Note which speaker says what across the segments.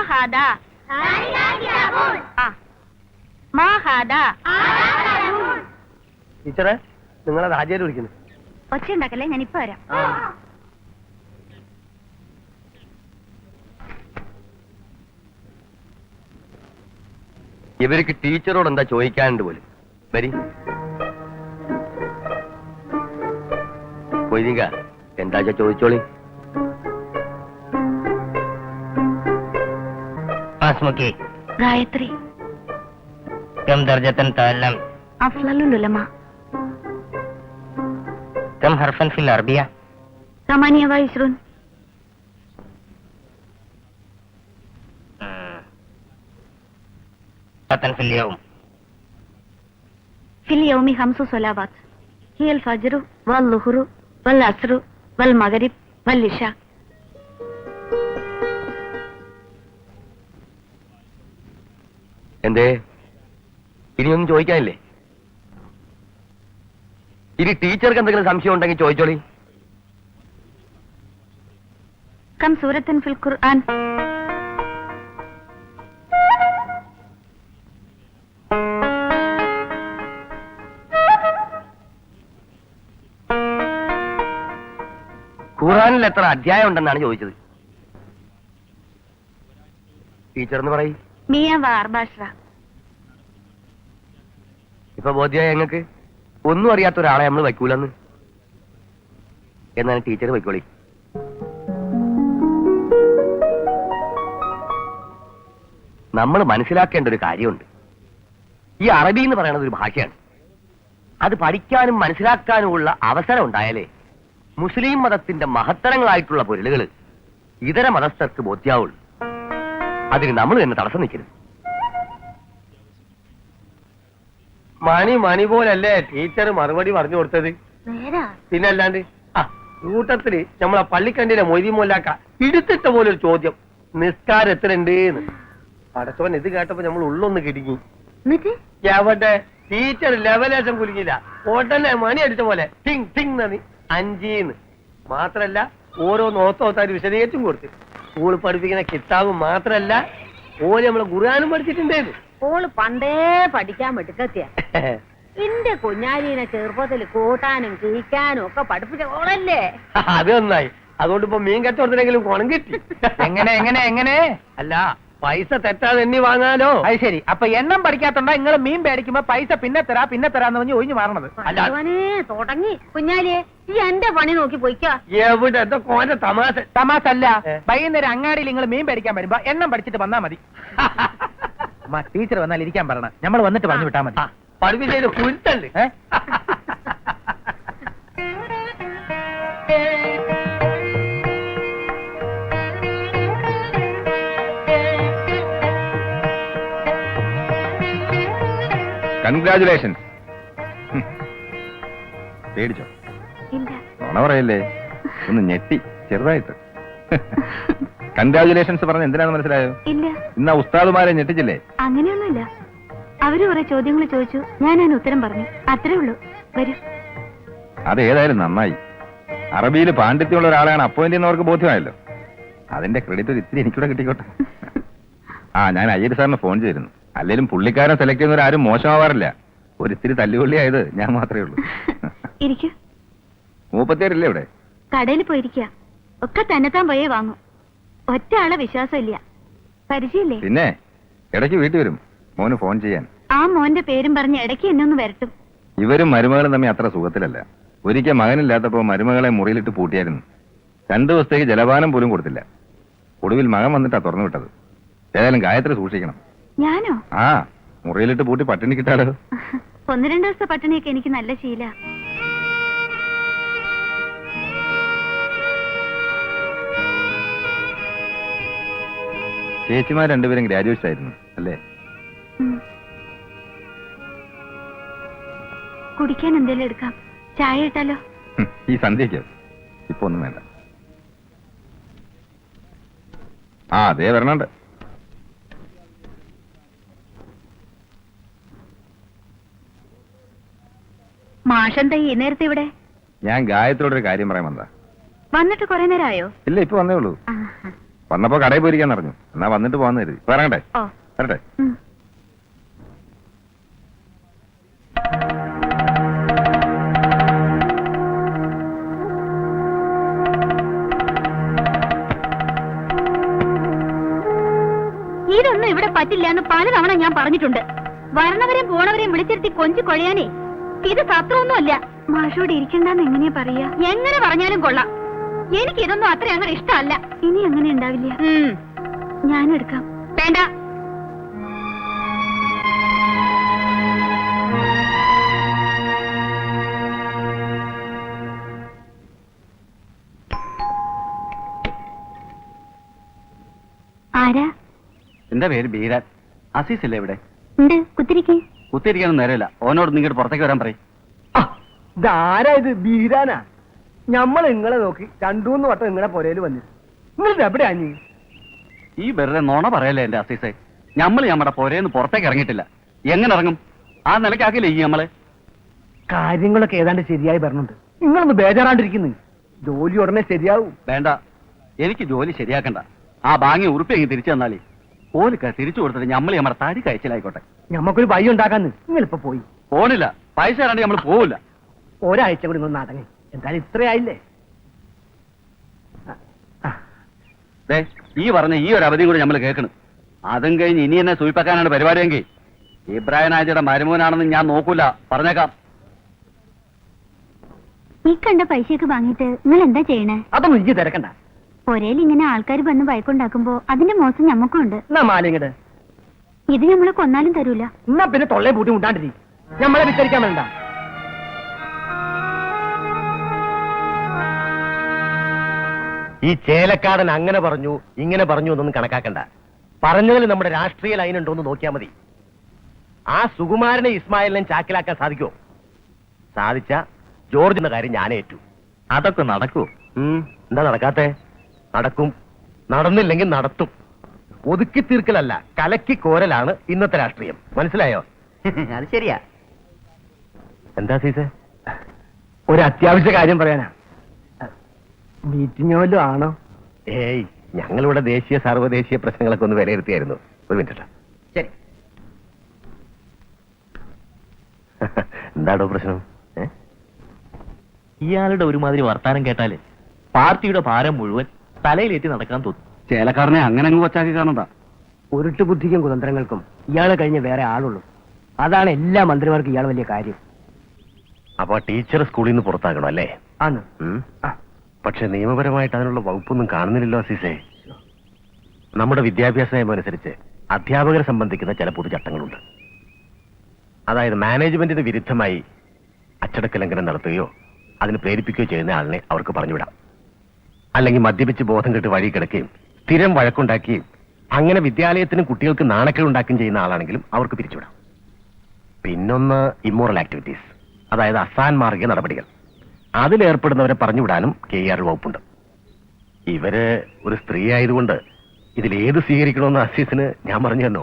Speaker 1: ഹാദാ മാ ഹാദാ.
Speaker 2: ടീച്ചറെ, നിങ്ങളത് ഹാജിയായിട്ട് വിളിക്കുന്നു.
Speaker 1: ഒച്ച ഉണ്ടാക്കല്ലേ, ഞാനിപ്പോ വരാം.
Speaker 2: ഇവർക്ക് ടീച്ചറോട് എന്താ ചോദിക്കാനുണ്ട് പോലും. വരി പോയിക്ക, എന്താ ചോദിച്ചോളി.
Speaker 1: ഗായത്രി
Speaker 3: كم درجة تعلم؟
Speaker 1: أفضل العلماء.
Speaker 3: كم حرفا في العربية؟
Speaker 1: 28.
Speaker 3: صلاة في اليوم؟
Speaker 1: في اليوم 5 صلوات، هي الفجر والظهر والعصر والمغرب والعشاء.
Speaker 2: എന്തേ, ഇനിയൊന്നും ചോദിക്കാനില്ലേ? ഇനി ടീച്ചർക്ക് എന്തെങ്കിലും സംശയം ഉണ്ടെങ്കിൽ ചോദിച്ചോളി.
Speaker 1: كم سورة في القرآن؟
Speaker 2: ഖുർആനിൽ എത്ര അധ്യായം ഉണ്ടെന്നാണ് ചോദിച്ചത്. ടീച്ചർ എന്ന് പറയും.
Speaker 1: 114.
Speaker 2: ഇപ്പൊ ബോധ്യമായി ഞങ്ങൾക്ക് ഒന്നും അറിയാത്ത ഒരാളെ നമ്മൾ വയ്ക്കൂലെന്ന്. എന്നാണ് ടീച്ചർ വയ്ക്കോളി. നമ്മൾ മനസ്സിലാക്കേണ്ട ഒരു കാര്യമുണ്ട്. ഈ അറബി എന്ന് പറയുന്നത് ഒരു ഭാഷയാണ്. അത് പഠിക്കാനും മനസ്സിലാക്കാനുമുള്ള അവസരം ഉണ്ടായാലേ മുസ്ലിം മതത്തിന്റെ മഹത്തരങ്ങളായിട്ടുള്ള പൊരുളുകൾ ഇതര മതസ്ഥർക്ക് ബോധ്യാവുള്ളൂ. അതിന് നമ്മൾ തന്നെ തടസ്സം നിൽക്കരുത്. മണി പോലല്ലേ ടീച്ചർ മറുപടി പറഞ്ഞു കൊടുത്തത്. പിന്നല്ലാണ്ട് കൂട്ടത്തില് നമ്മളെ പള്ളിക്കണ്ടിനെ മൊയ്തി മോലാക്ക ഇടുത്തിട്ട പോലൊരു ചോദ്യം, നിസ്കാരം എത്രയുണ്ട് എന്ന്. പടച്ചവൻ ഇത് കേട്ടപ്പോ നമ്മൾ ഉള്ളൊന്ന് കിടുങ്ങി. എവിടെ ടീച്ചർ ലെവലേശം കുലുങ്ങില്ല. ഉടനെ മണി അടിച്ച പോലെ ടിങ് ടിങ് നന്ദി 5 മാത്രല്ല ഓരോ നോത്തോത്താര് വിശദീകരിച്ചും കൊടുത്ത്. സ്കൂൾ പഠിപ്പിക്കുന്ന കിതാബ് മാത്രല്ല ഓര് നമ്മളെ ഖുർആനും പഠിച്ചിട്ടുണ്ടേന്ന്.
Speaker 4: ഓള് പണ്ടേ പഠിക്കാൻ മിടുക്കത്തിയ. എന്റെ കുഞ്ഞാലീനെ ചെറുപ്പത്തിൽ കൂട്ടാനും കിഴിക്കാനും ഒക്കെ പഠിപ്പിച്ച ഓളല്ലേ.
Speaker 2: അത് നന്നായി. അതുകൊണ്ട് ഇപ്പൊ മീൻ കച്ചവടത്തിനെങ്കിലും കുണം കിട്ടി.
Speaker 3: എങ്ങനെ
Speaker 2: അല്ല, പൈസ തെറ്റാതെ എണ്ണി വാങ്ങാലോ.
Speaker 3: അത് ശരി. അപ്പൊ എണ്ണം പഠിക്കാത്തോണ്ടാ നിങ്ങൾ മീൻ പേടിക്കുമ്പോ പൈസ പിന്നെ തരാന്ന് പറഞ്ഞ് ഒഴിഞ്ഞു മാറണത്.
Speaker 4: തുടങ്ങി കുഞ്ഞാലിയെ ഈ എന്റെ പണി നോക്കി പോയിക്കാ.
Speaker 2: എവിടെ എന്താ കോന്റെ
Speaker 3: തമാശ അല്ല. വൈകുന്നേരം അങ്ങാടിയിൽ നിങ്ങൾ മീൻ പേടിക്കാൻ വരുമ്പോ എണ്ണം പഠിച്ചിട്ട് വന്നാ മതി. ടീച്ചർ വന്നാൽ ഇരിക്കാൻ പറയണം. നമ്മൾ വന്നിട്ട് പറഞ്ഞു വിട്ടാ മതി.
Speaker 2: പഠിപ്പിച്ചതിന് കുരുത്തണ്ട്.
Speaker 5: കൺഗ്രാജുലേഷൻസ്. പേടിച്ചോ? നുണ പറയല്ലേ, ഒന്ന് ഞെട്ടി ചെറുതായിട്ട്. കൺഗ്രാജുലേഷൻസ് പറഞ്ഞ എന്തിനാന്ന് മനസ്സിലായോ? ഇന്ന് ഉസ്താദുമാരെ ഞെട്ടിച്ചില്ലേ?
Speaker 1: അങ്ങനെയൊന്നുമില്ല. അവര് കുറെ ചോദ്യങ്ങൾ ചോദിച്ചു, ഞാൻ ഉത്തരം പറഞ്ഞു, അത്രേ ഉള്ളൂ. വരൂ.
Speaker 5: അതേതായാലും നന്നായി. അറബിയിൽ പാണ്ഡിത്യമുള്ള ഒരാളാണ് അപ്പോയിന്റ് ചെയ്യുന്നവർക്ക് ബോധ്യമായല്ലോ. അതിന്റെ ക്രെഡിറ്റ് ഒരു ഇത്തിരി എനിക്കൂടെ കിട്ടിക്കോട്ടെ. ഞാൻ അയ്യർ സാറിന് ഫോൺ ചെയ്തിരുന്നു. അല്ലെങ്കിലും പുള്ളിക്കാരൻ സെലക്ട് ചെയ്യുന്നവരാരും മോശമാവാറില്ല. ഒരിത്തിരി തല്ലുകൊള്ളിയായത് ഞാൻ മാത്രമേ ഉള്ളൂ. മൂപ്പത്തേരില്ലേ ഇവിടെ?
Speaker 1: കടയിൽ പോയിരിക്കുക. ഒക്കെ തന്നെത്താൻ പോയേ വാങ്ങും. ഒറ്റ ആളെ വിശ്വാസമില്ല. പരിചയമില്ലേ?
Speaker 5: പിന്നെ ഇടയ്ക്ക് വീട്ടിൽ വരും മോന് ഫോൺ ചെയ്യാൻ.
Speaker 1: ആ മോന്റെ പേരും പറഞ്ഞ് ഇടയ്ക്ക് എന്നെ ഒന്ന് വരട്ടും.
Speaker 5: ഇവരും മരുമകളും തമ്മിൽ അത്ര സുഖത്തിലല്ല. ഒരിക്കൽ മകനില്ലാത്തപ്പോ മരുമകളെ മുറിയിലിട്ട് പൂട്ടിയായിരുന്നു. 2 ദിവസത്തേക്ക് ജലപാനം പോലും കൊടുത്തില്ല. ഒടുവിൽ മകൻ വന്നിട്ടാ തുറന്നു വിട്ടത്. ഏതായാലും ഗായത്രി സൂക്ഷിക്കണം.
Speaker 1: ഞാനോ?
Speaker 5: മുറിയിലിട്ട് പൂട്ടി പട്ടിണി കിട്ടാലോ.
Speaker 1: 1-2 ദിവസത്തെ പട്ടിണിയൊക്കെ എനിക്ക് നല്ല ശീല.
Speaker 5: ചേച്ചിമാർ രണ്ടുപേരും ഗ്രാജുവേറ്റ്സ് ആയിരുന്നു അല്ലേ?
Speaker 1: കുടിക്കാൻ എന്തെങ്കിലും എടുക്കാം. ചായ ഇട്ടാലോ?
Speaker 5: ഈ സന്ധ്യയ്ക്ക് ഇപ്പൊ ഒന്നും വേണ്ട. അതേ വരണുണ്ട്.
Speaker 1: മാഷെന്താ ഈ നേരത്തെ ഇവിടെ?
Speaker 5: ഞാൻ ഗായത്രിയോടൊരു കാര്യം പറയാൻ വന്നതാ.
Speaker 1: വന്നിട്ട് കുറെ നേരമായോ?
Speaker 5: ഇല്ല, ഇപ്പൊ വന്നേ ഉള്ളൂ. വന്നപ്പോ കടയിൽ പോയിരിക്കാൻ പറഞ്ഞു. എന്നാ വന്നിട്ട് പോകാന്ന് കരുതി. വരണ്ടേ?
Speaker 1: ഓ
Speaker 5: വരട്ടെ.
Speaker 1: ഉം. ഇതൊന്നും ഇവിടെ പറ്റില്ല എന്ന് പലതവണ ഞാൻ പറഞ്ഞിട്ടുണ്ട്. വരണവരെയും പോണവരെയും വിളിച്ചിരുത്തി കൊഞ്ചു കൊഴയാനേ ഇത് സത്രമൊന്നുമല്ല. മാഷോട് ഇരിക്കണ്ടെന്ന് എങ്ങനെയാ പറയാ? എങ്ങനെ പറഞ്ഞാലും കൊള്ളാം. എനിക്ക് ഇതൊന്നും അത്ര അങ്ങനെ ഇഷ്ടമല്ല. ഇനി അങ്ങനെ ഉണ്ടാവില്ല. ഞാനെടുക്കാം. വേണ്ട. ആരാ?
Speaker 6: എന്റെ പേര് ബീരാൻ. അസീസ് അല്ലേ ഇവിടെ?
Speaker 1: ഉണ്ട്. കുത്തിരിക്കേ.
Speaker 6: കുത്തിയിരിക്കാനൊന്നും നേരമില്ല. ഓനോട് നിങ്ങോട്ട് പുറത്തേക്ക് വരാൻ പറയും.
Speaker 2: ഇതാരാ ഇത്? ബീരാനാ? ഞമ്മൾ നിങ്ങളെ നോക്കി 2-3 വട്ടം നിങ്ങളെ പുരയില് വന്നു. നിങ്ങളിത് എവിടെയാ നീ?
Speaker 6: ഈ വെറുതെ നുണ പറയല്ലേ എന്റെ അസീസെ. ഞമ്മള് നമ്മുടെ പുരേന്ന് പുറത്തേക്ക് ഇറങ്ങിയിട്ടില്ല. എങ്ങനെ ഇറങ്ങും? ആ നിലക്കാക്കില്ലേ ഈ നമ്മളെ?
Speaker 2: കാര്യങ്ങളൊക്കെ ഏതാണ്ട് ശരിയായി പറഞ്ഞുണ്ട്. നിങ്ങളൊന്ന് ബേജാറാണ്ടിരിക്കുന്നു. ജോലി ഉടനെ ശരിയാവും.
Speaker 6: വേണ്ട, എനിക്ക് ജോലി ശരിയാക്കണ്ട. ആ ബാങ്ങി ഉറുപ്പിയെങ്കിൽ തിരിച്ചു തന്നാലേ ഓലിക്ക തിരിച്ചു കൊടുത്തിട്ട് ഞമ്മള് നമ്മുടെ തടി കഴിച്ചിലായിക്കോട്ടെ.
Speaker 2: ഞമ്മക്കൊരു വഴി ഉണ്ടാക്കാന്ന്. നിങ്ങളിപ്പോ പോയി.
Speaker 6: പോണില്ല. പൈസ തരാണ്ട് നമ്മൾ പോവില്ല.
Speaker 2: ഒരാഴ്ച കൂടി നിങ്ങൾ നടങ്ങി. എന്തായാലും ഇത്രയായില്ലേ?
Speaker 6: ദേ, ഈ പറഞ്ഞ ഈ ഒരു അവധിയും കൂടി നമ്മൾ കേൾക്കണം. അതും കഴിഞ്ഞ് ഇനി എന്നെ സൂയിപ്പാക്കാനാണ് പരിപാടിയെങ്കിൽ ഇബ്രാഹിം ആജിയുടെ മരുമോനാണെന്ന് ഞാൻ നോക്കൂല. പറഞ്ഞേക്കാം.
Speaker 1: ഈ കണ്ട പൈസയൊക്കെ വാങ്ങിയിട്ട് നിങ്ങൾ എന്താ ചെയ്യണേ?
Speaker 2: അതൊന്നും എനിക്ക് തിരക്കണ്ട.
Speaker 1: ഒരേൽ ഇങ്ങനെ ആൾക്കാർ വന്ന് ബൈക്കുണ്ടാക്കുമ്പോ അതിന്റെ മോശം ഞമ്മക്കും ഉണ്ട്.
Speaker 2: എന്നാ മാലിങ്ങട്
Speaker 1: ഇത് നമ്മള് കൊന്നാലും തരൂല.
Speaker 2: എന്നാ പിന്നെ തൊള്ളയെ പൂട്ടി മുണ്ടാണ്ടിരി. ഞമ്മളെ വിസ്തരിക്കാൻ വേണ്ട. ഈ ചേലക്കാടൻ അങ്ങനെ പറഞ്ഞു ഇങ്ങനെ പറഞ്ഞു എന്നൊന്നും കണക്കാക്കണ്ട. പറഞ്ഞതിൽ നമ്മുടെ രാഷ്ട്രീയ ലൈൻ ഉണ്ടോ എന്ന് നോക്കിയാൽ മതി. ആ സുകുമാരനെ ഇസ്മായിലിനെ ചാക്കിലാക്കാൻ സാധിക്കുമോ? സാധിച്ച ജോർജിന്റെ കാര്യം ഞാൻ ഏറ്റു.
Speaker 6: അതൊക്കെ നടക്കൂ.
Speaker 2: എന്താ നടക്കാത്തെ? നടക്കും. നടന്നില്ലെങ്കിൽ നടത്തും. ഒതുക്കി തീർക്കലല്ല, കലക്കി കോരലാണ് ഇന്നത്തെ രാഷ്ട്രീയം. മനസ്സിലായോ?
Speaker 6: അത് ശരിയാ.
Speaker 2: എന്താ സീസേ? ഒരു അത്യാവശ്യ കാര്യം പറയാനാ. മീറ്റിംഗ് വല്ലതും ആണോ? ഏയ്, ഞങ്ങളിവിടെ ദേശീയ സർവ്വദേശീയ പ്രശ്നങ്ങളൊക്കെ ഒന്ന് വിലയിരുത്തിയായിരുന്നു. ഒരു മിനിറ്റ്.
Speaker 6: ശരി.
Speaker 2: എന്താണോ പ്രശ്നം?
Speaker 7: ഇയാളുടെ ഒരുമാതിരി വർത്താനം കേട്ടാല് പാർട്ടിയുടെ ഭാരം മുഴുവൻ തലയിലേറ്റി നടക്കാൻ തോന്നും.
Speaker 6: ചേലക്കാരനെ അങ്ങനെ അങ്ങ് കൊച്ചാക്കി കാണണ്ട.
Speaker 2: ഉരുട്ടു ബുദ്ധിക്കും കുതന്ത്രങ്ങൾക്കും ഇയാളെ കഴിഞ്ഞ് വേറെ ആളുള്ളൂ. അതാണ് എല്ലാ മന്ത്രിമാർക്കും ഇയാൾ വലിയ കാര്യം. അപ്പൊ ടീച്ചർ സ്കൂളിൽ നിന്ന് പുറത്താക്കണോ അല്ലേ? ആണ്. പക്ഷെ നിയമപരമായിട്ട് അതിനുള്ള വകുപ്പൊന്നും കാണുന്നില്ലല്ലോ അസീസേ. നമ്മുടെ വിദ്യാഭ്യാസ നിയമം അനുസരിച്ച് അധ്യാപകരെ സംബന്ധിക്കുന്ന ചില പൊതുചട്ടങ്ങളുണ്ട്. അതായത് മാനേജ്മെന്റിന് വിരുദ്ധമായി അച്ചടക്ക ലംഘനം നടത്തുകയോ അതിന് പ്രേരിപ്പിക്കുകയോ ചെയ്യുന്ന ആളിനെ അവർക്ക് പറഞ്ഞുവിടാം. അല്ലെങ്കിൽ മദ്യപിച്ച് ബോധം കെട്ട് വഴി കിടക്കുകയും സ്ഥിരം വഴക്കുണ്ടാക്കുകയും അങ്ങനെ വിദ്യാലയത്തിനും കുട്ടികൾക്ക് നാണക്കേടുണ്ടാക്കുകയും ചെയ്യുന്ന ആളാണെങ്കിലും അവർക്ക് പിരിച്ചുവിടാം. പിന്നൊന്ന് ഇമ്മോറൽ ആക്ടിവിറ്റീസ്, അതായത് അസാൻമാർഗിക നടപടികൾ. അതിലേർപ്പെടുന്നവരെ പറഞ്ഞുവിടാനും KER വകുപ്പുണ്ട്. ഇവര് ഒരു സ്ത്രീ ആയതുകൊണ്ട് ഇതിലേത് സ്വീകരിക്കണമെന്ന് അസീസിന് ഞാൻ പറഞ്ഞു തന്നോ?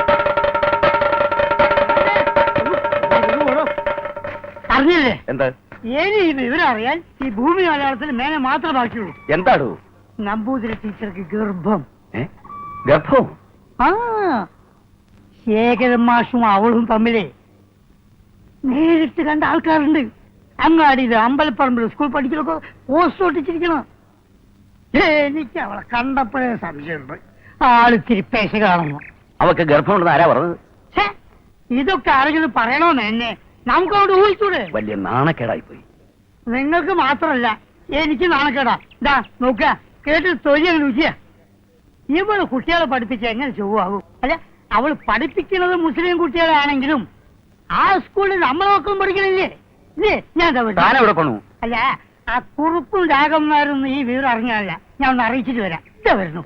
Speaker 8: അറിഞ്ഞില്ലേ?
Speaker 2: എന്താ?
Speaker 8: ഇനി ഈ വിവരം അറിയാൻ ഈ ഭൂമി മലയാളത്തിൽ മേനെ മാത്രമേ ബാക്കിയുള്ളൂ.
Speaker 2: എന്താടൂ?
Speaker 8: നമ്പൂതിരി ടീച്ചർക്ക് ഗർഭം.
Speaker 2: ഗർഭവും?
Speaker 8: ആ, ശേഖരൻ മാഷും അവളും തമ്മിലേ നേരിട്ട് കണ്ട ആൾക്കാരുണ്ട്. അങ്ങാടിയില് അമ്പലപ്പറമ്പിൽ സ്കൂൾ പഠിക്കലൊക്കെ പോസ്റ്റ് ഒട്ടിച്ചിരിക്കണം. എനിക്ക് അവളെ കണ്ടപ്പോഴേ സംശയമുണ്ട്. ആളിത്തിരി പേശ കാണുന്നു.
Speaker 6: അവക്ക് ഗർഭമുണ്ടെന്ന് ആരാ പറഞ്ഞത്?
Speaker 8: ഇതൊക്കെ ആരെങ്കിലും പറയണോന്ന് എന്നെ നമുക്കവിടെ ഊഹിച്ചൂടെ?
Speaker 6: വലിയ നാണക്കേടായി പോയി.
Speaker 8: നിങ്ങൾക്ക് മാത്രമല്ല എനിക്ക് നാണക്കേടാ. ഇതാ നോക്കുക, കേട്ട് തൊഴിൽ രുചിയാ. ഇവള് കുട്ടികളെ പഠിപ്പിച്ച എങ്ങനെ ചൊവ്വാകും? അല്ല, അവള് പഠിപ്പിക്കുന്നത് മുസ്ലിം കുട്ടികളാണെങ്കിലും ആ സ്കൂളിൽ നമ്മളെ മക്കളും പഠിക്കണില്ലേ? ഇല്ലേ? ഞാൻ
Speaker 6: താനെവിടെ കൊണ്ടു?
Speaker 8: അല്ല, ആ കുറുപ്പും രാഗന്മാരൊന്നും ഈ വിവരം അറിഞ്ഞാലല്ല. ഞാൻ ഒന്ന് അറിയിച്ചിട്ട് വരാം. ഇതാ വരുന്നു.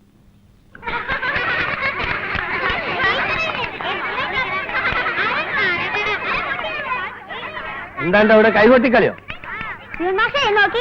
Speaker 2: എന്താണ്ട് അവിടെ കൈകൊട്ടിക്കളിയോ?
Speaker 1: നോക്കി.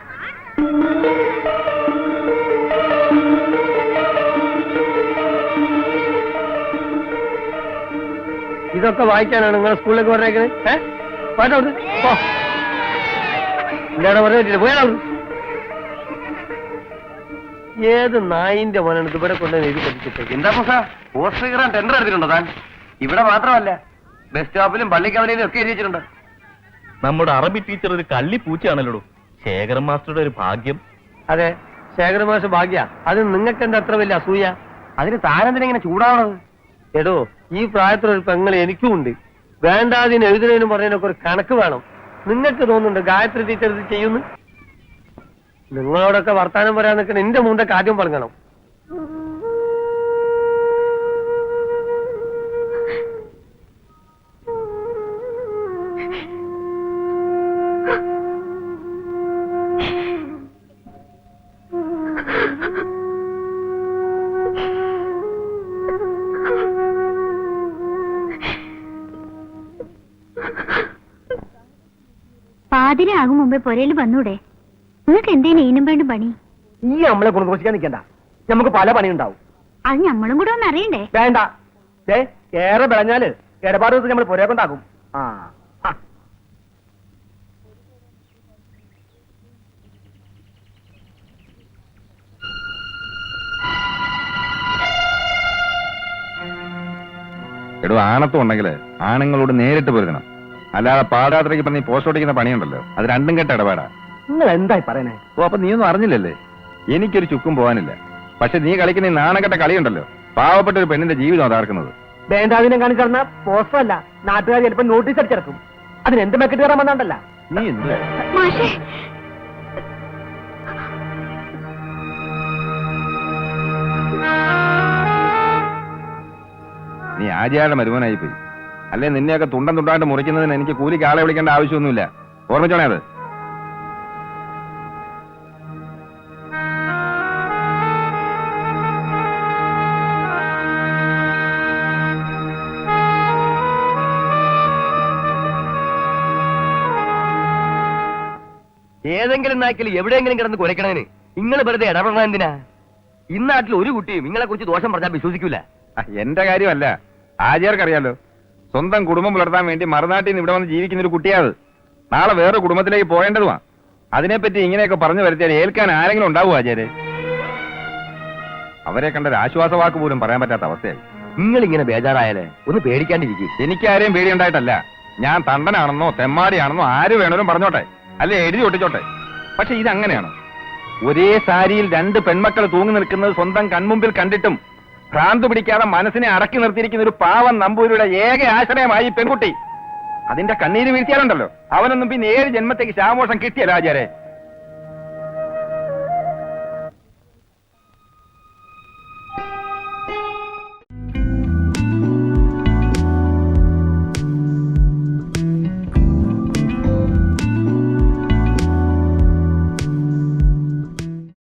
Speaker 2: ഇതൊക്കെ വായിക്കാനാണ് നിങ്ങൾ സ്കൂളിലേക്ക് പറഞ്ഞേക്കുന്നത്? പോയാ എന്താണ് പറഞ്ഞിട്ടില്ല? പോയാ ഏത് നായിന്റെ മോനാണ് ഇത് ഇവിടെ കൊണ്ടുവന്ന് എഴുതി പഠിച്ചിട്ട്?
Speaker 6: എന്താ പോസ്റ്റർ കീറാൻ ടെൻഡർ എടുത്തിട്ടുണ്ടോ താൻ? ഇവിടെ മാത്രമല്ല, ബസ് സ്റ്റോപ്പിലും പള്ളിക്കവലയിലും ഒക്കെ എഴുതി വെച്ചിട്ടുണ്ട്.
Speaker 7: നമ്മുടെ അറബി ടീച്ചർ ഒരു കള്ളി പൂച്ചയാണല്ലോ. ശേഖരൻ മാസ്റ്ററുടെ ഒരു ഭാഗ്യം.
Speaker 2: അതെ, ശേഖരമാഷ ഭാഗ്യ. അത് നിങ്ങൾക്ക് എന്താ അത്ര വലിയ അസൂയ?
Speaker 6: അതിന് താനെന്തിനെങ്ങനെ ചൂടാവണത്?
Speaker 2: എടോ, ഈ പ്രായത്തിലൊരു പെങ്ങൾ എനിക്കും ഉണ്ട്. വേണ്ടാതിന് എഴുതുന്നതിനും പറയുന്നതിനൊക്കെ ഒരു കണക്ക് വേണം. നിങ്ങൾക്ക് തോന്നുന്നുണ്ട് ഗായത്രി ടീച്ചർ ഇത് ചെയ്യുന്നു? നിങ്ങളോടൊക്കെ വർത്താനം പറയാൻ നിൽക്കുന്ന എന്റെ മുമ്പേ കാര്യം പറഞ്ഞണം.
Speaker 1: പാതിരാകും മുമ്പേ പുരയിൽ വന്നൂടെ? നിങ്ങൾക്ക് എന്തേലും ഈനും വേണ്ടും പണി?
Speaker 3: ഈ നമ്മളെ കുണുകുറിക്കാൻ നിൽക്കണ്ട, നമുക്ക് പല പണിയുണ്ടാവും.
Speaker 1: അത് നമ്മളും കൂടെ ഒന്ന് അറിയണ്ടേ?
Speaker 3: വേണ്ട, ഏറെ വിളഞ്ഞാല് ഇടപാട് ദിവസം നമ്മൾ പുരയെ കൊണ്ടാക്കും. ആ
Speaker 5: എടോ, ആണത്വം ഉണ്ടെങ്കിൽ ആണുങ്ങളോട് നേരിട്ട് പൊരുതണം. അല്ലാതെ പാദയാത്രയ്ക്ക് പറഞ്ഞ് പോസ്റ്റ് ഓടിക്കുന്ന പണിയുണ്ടല്ലോ, അത് രണ്ടും കെട്ട ഇടപാടാ.
Speaker 3: നിങ്ങൾ എന്തായി പറയണേ?
Speaker 5: ഓ, അപ്പൊ നീയൊന്നും അറിഞ്ഞില്ലല്ലേ? എനിക്കൊരു ചുക്കും പോകാനില്ല. പക്ഷെ നീ കളിക്കുന്ന ഈ നാണക്കെട്ട കളിയുണ്ടല്ലോ, പാവപ്പെട്ട ഒരു പെണ്ണിന്റെ ജീവിതം അതാർക്കുന്നത്.
Speaker 3: വേണ്ടാതിനെ കാണിച്ചിറന്ന പോസ്റ്റർ അല്ല, നാട്ടുകാർ ചിലപ്പോ നോട്ടീസ് അടിച്ചിറക്കും. അതിന് എന്ത് മെക്കിട്ട് കയറാൻ വന്നാണ്ടല്ല.
Speaker 5: നീ എന്ത്
Speaker 1: മാഷേ,
Speaker 5: നീ ആചാരുടെ മരുമനായി പോയി. അല്ലെ നിന്നെയൊക്കെ തുണ്ടം തുണ്ടായിട്ട് മുറിക്കുന്നതിന് എനിക്ക് കൂലിക്ക് ആളെ വിളിക്കേണ്ട ആവശ്യമൊന്നുമില്ല. ഓർമ്മിച്ചോണേ അത്.
Speaker 6: ഏതെങ്കിലും നാക്കിൽ എവിടെയെങ്കിലും കിടന്ന് കുരയ്ക്കണതിന് നിങ്ങൾ വെറുതെ ഇടപെടണം എന്തിനാ? ഇന്നാട്ടിൽ ഒരു കുട്ടിയും നിങ്ങളെ കുറിച്ച് ദോഷം പറഞ്ഞാൽ വിശ്വസിക്കൂല.
Speaker 5: എന്റെ കാര്യമല്ല, ആചാർക്കറിയാലോ. സ്വന്തം കുടുംബം പുലർത്താൻ വേണ്ടി മറുനാട്ടിൽ നിന്ന് ഇവിടെ വന്ന് ജീവിക്കുന്ന ഒരു കുട്ടിയാത്. നാളെ വേറെ കുടുംബത്തിലേക്ക് പോകേണ്ടതുമാ. അതിനെപ്പറ്റി ഇങ്ങനെയൊക്കെ പറഞ്ഞു വരുത്തിയാൽ ഏൽക്കാൻ ആരെങ്കിലും ഉണ്ടാവും ആചാര്യ? അവരെ കണ്ട ഒരു ആശ്വാസവാക്ക് പോലും പറയാൻ പറ്റാത്ത അവസ്ഥയായി.
Speaker 6: നിങ്ങൾ ഇങ്ങനെ ബേജാറായാലേ ഒന്ന് പേടിക്കാണ്ടിരിക്കും.
Speaker 5: എനിക്കാരെയും പേടിയുണ്ടായിട്ടല്ല. ഞാൻ തണ്ടനാണെന്നോ തെമ്മാടിയാണെന്നോ ആര് വേണേലും പറഞ്ഞോട്ടെ, അല്ലെ എഴുതി ഒട്ടിച്ചോട്ടെ. പക്ഷെ ഇതങ്ങനെയാണ്. ഒരേ സാരിയിൽ രണ്ട് പെൺമക്കൾ തൂങ്ങി നിൽക്കുന്നത് സ്വന്തം കൺമുമ്പിൽ കണ്ടിട്ടും ഭ്രാന്ത് പിടിക്കാതെ മനസ്സിനെ അടക്കി നിർത്തിയിരിക്കുന്ന ഒരു പാവം നമ്പൂരിയുടെ ഏക ആശ്രയമായി പെൺകുട്ടി. അതിന്റെ കണ്ണീര് വീഴ്ത്തിയാലുണ്ടല്ലോ, അവനൊന്നും പിന്നെ 7 ജന്മത്തേക്ക് ശാമോഷം കിട്ടിയല്ല ആചാരെ.